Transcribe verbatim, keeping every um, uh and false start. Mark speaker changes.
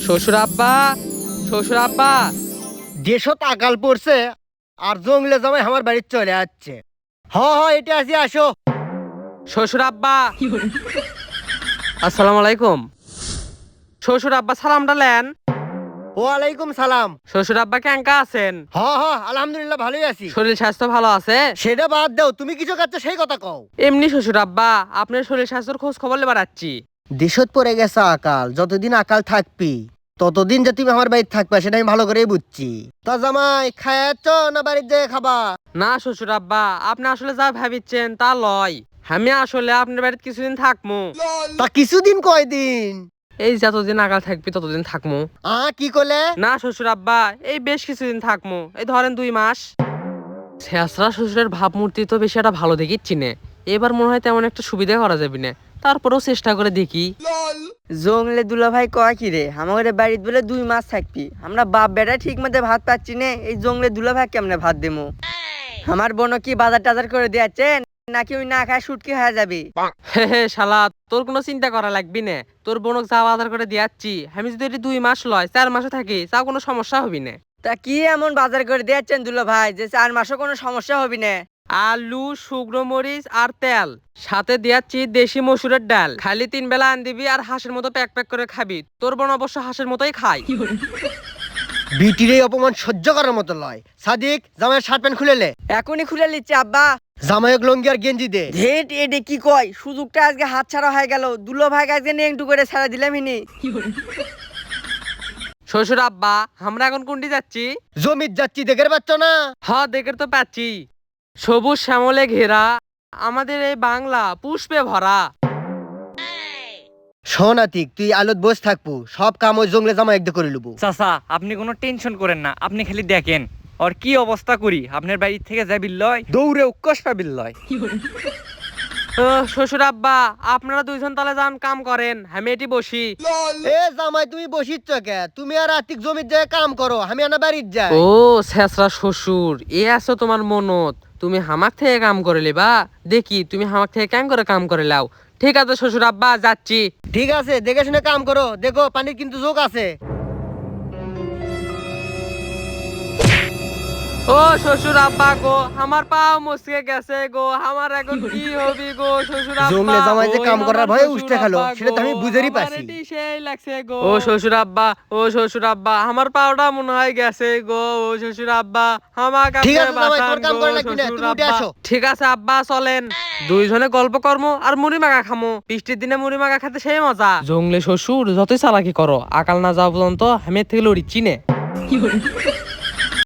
Speaker 1: শ্বশুর আব্বা, শ্বশুর আব্বা।
Speaker 2: দেশত আকাল পড়ছে আর জঙ্গলে জামাই আমার বাড়ি চলে যাচ্ছে। হ হ এটা আসি আসো।
Speaker 1: শ্বশুর আব্বা, আসসালামু আলাইকুম। শ্বশুর আব্বা সালামটা লেন।
Speaker 2: ওয়ালাইকুম সালাম।
Speaker 1: শ্বশুর আব্বা কেঙ্কা আছেন?
Speaker 2: হ হ আলহামদুলিল্লাহ ভালোই আছি।
Speaker 1: শরীর স্বাস্থ্য ভালো আছে?
Speaker 2: সেটা বাদ দাও, তুমি কিছু কাচ্ছ সেই কথা কও।
Speaker 1: এমনি শ্বশুর আব্বা, আপনার শরীর স্বাস্থ্যের খোঁজ খবর লেবার আছি।
Speaker 2: দেশত পড়ে গেছে আকাল, যতদিন আকাল থাকবি ততদিন যে তুমি আমার বাড়িতে থাকবা সেটা আমি ভালো করেই বুঝছি। তা জামাই খায়াচ্ছ না বাড়িতে যেয়ে খাবা?
Speaker 1: না শ্বশুর আব্বা, আপনি আসলে যা ভাবিচ্ছেন তা লয়। আমি আসলে আপনার বাড়িতে কিছুদিন থাকমু।
Speaker 2: তা কিছুদিন কয়দিন?
Speaker 1: এই যতদিন আগাল থাকবি ততদিন থাকমু।
Speaker 2: আ কি করলে?
Speaker 1: না শ্বশুর আব্বা, এই বেশ কিছুদিন থাকমু, এই ধরেন দুই মাস। শেষরা শ্বশুরের ভাবমূর্তি তো বেশি একটা ভালো দেখিচ্ছি নে। এবার মনে হয় তেমন একটা সুবিধা করা যাবে না, তারপরেও চেষ্টা করে দেখি।
Speaker 3: জংলে দুলা ভাই কয় কি রে, আমাদের বাড়িতে বলে দুই মাস থাকবি, আমরা বাপ বেটা ঠিক মতো ভাত পাচ্ছি না, এই জংলে দুলা ভাই কেমনে ভাত দেবো? আমার বোন কি বাজার টাজার করে দিয়েছেন নাকি ওই না খায় শুটকি হয়ে যাবে?
Speaker 1: হে হে শালা, তোর কোনো চিন্তা করা লাগবি না। তোর বোনক যা বাজার করে দিয়াচ্ছি, আমি যদি এটি দুই মাস লয় চার মাসে থাকি তা কোনো সমস্যা হবি না।
Speaker 3: তা কি এমন বাজার করে দিয়েছেন দুলা ভাই যে চার মাসও কোনো সমস্যা হবে না?
Speaker 1: আলু, শুকনো মরিচ আর তেল, সাথে দিয়াচ্ছি দেশি মসুরের ডাল। খালি তিন বেলা আন দিবি আর হাঁসের মতো প্যাক প্যাক করে খাবি। তোর বোন অবশ্য হাঁসের মতোই খায়।
Speaker 2: বিটির এই অপমান সহ্য করার মতো লয়। সাদিক জামাইয়ের শার্ট প্যান্ট খুলে লে।
Speaker 3: এখনই খুলে নিচ্ছে আব্বা।
Speaker 2: জামাইক লঙ্গি আর গেঞ্জি দে।
Speaker 3: ধেট এডে কি কয়, সুযোগটা আজকে হাত ছাড়া হয়ে গেল। দুলো ভাই আজকে নিয়ে একটু করে ছাড়া দিলাম হিনি।
Speaker 1: শ্বশুর আব্বা, আমরা এখন কোনটি যাচ্ছি?
Speaker 2: জমিত যাচ্ছি, দেখের পাচ্ছ না?
Speaker 1: হ দেখে তো পাচ্ছি, সবুজ শ্যামলে ঘেরা আমাদের এই বাংলা পুষ্পে ভরা।
Speaker 2: শোনাতিক তুই আলোত বস থাকবো, সব কাম ওই জঙ্গলে জামাই একদম করে লুবো।
Speaker 4: চাচা, আপনি কোনো টেনশন করেন না, আপনি খালি দেখেন আর কি অবস্থা করি। আপনার বাড়ি থেকে যাবি লয়, দৌড়ে উৎকর্ষ পাবিল লয়।
Speaker 1: ও শ্বশুর আব্বা, আপনারা দুইজন তালে যান কাম করেন, আমি এটি বসি।
Speaker 2: এ জামাই তুমি বসিচ্ছ কে? তুমি আর আতিক জমির জায়গায় কাম করো, আমি আনা বাড়ির যাই।
Speaker 1: ও শেষরা শ্বশুর, এ আছো তোমার মনত। তুমি হামাক থেকে কাম করে লিবা, দেখি তুমি হামাক থেকে কেন করে কাম করে লাও। ঠিক আছে শ্বশুর আব্বা, যাচ্ছি।
Speaker 2: ঠিক আছে, দেখে শুনে কাম করো, দেখো পানির কিন্তু যোগ আছে।
Speaker 1: ও শ্বশুর আব্বা গো, আমার পাও মুসকে গেছে গো, আমার এখন কি হবি গো শ্বশুর আব্বা?
Speaker 2: জঙ্গলে জামাই যে
Speaker 1: ওই
Speaker 2: কাম করার
Speaker 1: আমার
Speaker 2: ভয়ে
Speaker 1: শ্বশুর
Speaker 2: উঠতে খেলো,
Speaker 1: আব্বা
Speaker 2: সেটা তো আমি
Speaker 1: গো,
Speaker 2: বুঝেরই
Speaker 1: আমার
Speaker 2: পাছি।
Speaker 1: এটি সেই লাগছে গো। ও শ্বশুর আব্বা, ও শ্বশুর আব্বা, আমার পাওটা মনে হয় গেছে গো। ও শ্বশুর আব্বা, আমাকে
Speaker 2: ঠিক
Speaker 1: আপনি
Speaker 2: আছে জামাই,
Speaker 1: বাঁচান
Speaker 2: তোর কাম
Speaker 1: গো,
Speaker 2: করা লাগবে না,
Speaker 1: শ্বশুর
Speaker 2: তুমি উঠে
Speaker 1: আব্বা।
Speaker 2: আসো।
Speaker 1: ঠিক আছে আব্বা, চলেন দুইজনে গল্প কর্ম আর মুড়ি মাখা খামো। বৃষ্টির দিনে মুড়ি মাখা খেতে সেই মজা। জঙ্গলে শ্বশুর যতই চালাকি করো, আকাল না যাওয়া পর্যন্ত আমি এর থেকে লড়িচ্ছি নে।